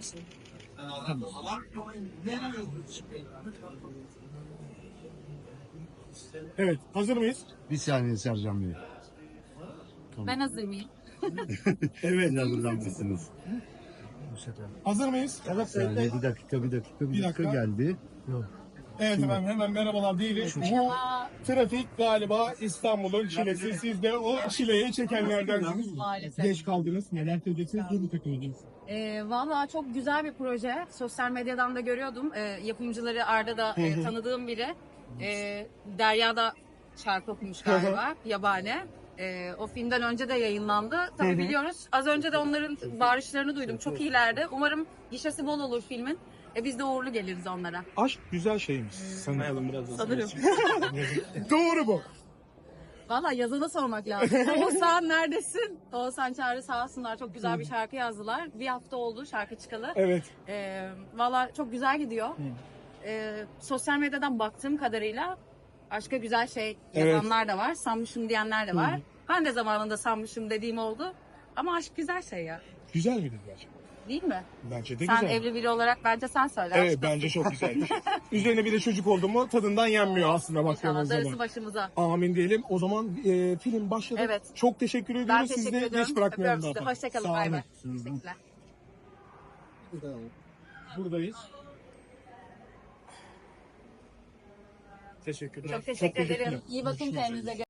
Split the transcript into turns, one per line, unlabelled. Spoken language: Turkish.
Evet, hazır mıyız?
Bir saniye Sercan Bey.
Ben hazır mıyım?
Evet.
Hazırlanmışsınız.
Hazır mıyız?
Bir saniye, bir dakika geldi.
Evet efendim, hemen merhabalar diyelim. Bu trafik galiba İstanbul'un çilesi. Siz de o çileyi çekenlerdensiniz.
Maalesef.
Geç kaldınız. Neler söyleyeceksiniz? Dur takıldınız.
Valla çok güzel bir proje. Sosyal medyadan da görüyordum. Yapımcılığı Arda da tanıdığım biri. Derya da şarkı okumuş galiba. Yabani. O filmden önce de yayınlandı. Tabii biliyoruz. Az önce de onların bağırışlarını duydum. Çok iyilerdi. Umarım gişesi bol olur filmin. Biz de uğurlu geliriz onlara.
Aşk güzel şeymiş. Sanırım biraz da.
Sanırım.
Doğru bu.
Valla yazana sormak lazım. Oğuzhan neredesin? Oğuzhan Çağrı sağ olsunlar. Çok güzel bir şarkı yazdılar. Bir hafta oldu şarkı çıkalı.
Evet.
Valla çok güzel gidiyor. Sosyal medyadan baktığım kadarıyla başka güzel şey yazanlar da var. Sanmışım diyenler de var. Ben de zamanında sanmışım dediğim oldu. Ama aşk güzel şey ya.
Güzel midir gerçekten?
Değil mi?
Bence de
Sen
güzel.
evli biri olarak bence sen söyle.
Evet, bence çok güzel. Üzerine bir de çocuk oldu mu tadından yenmiyor aslında
İnşallah
baktığımız
darısı
zaman.
başımıza.
Amin diyelim. O zaman film başladı.
Evet.
Çok teşekkür ediyoruz.
Ben
Sizi
teşekkür
de
ediyorum.
geç bırakmayalım.
Öpüyorum sizi.
daha fazla.
Hoşçakalın.
Sağ
Bay
olun.
bay. Teşekkürler.
Buradayız. Teşekkürler.
Çok teşekkür ederim. İyi bakın kendinize.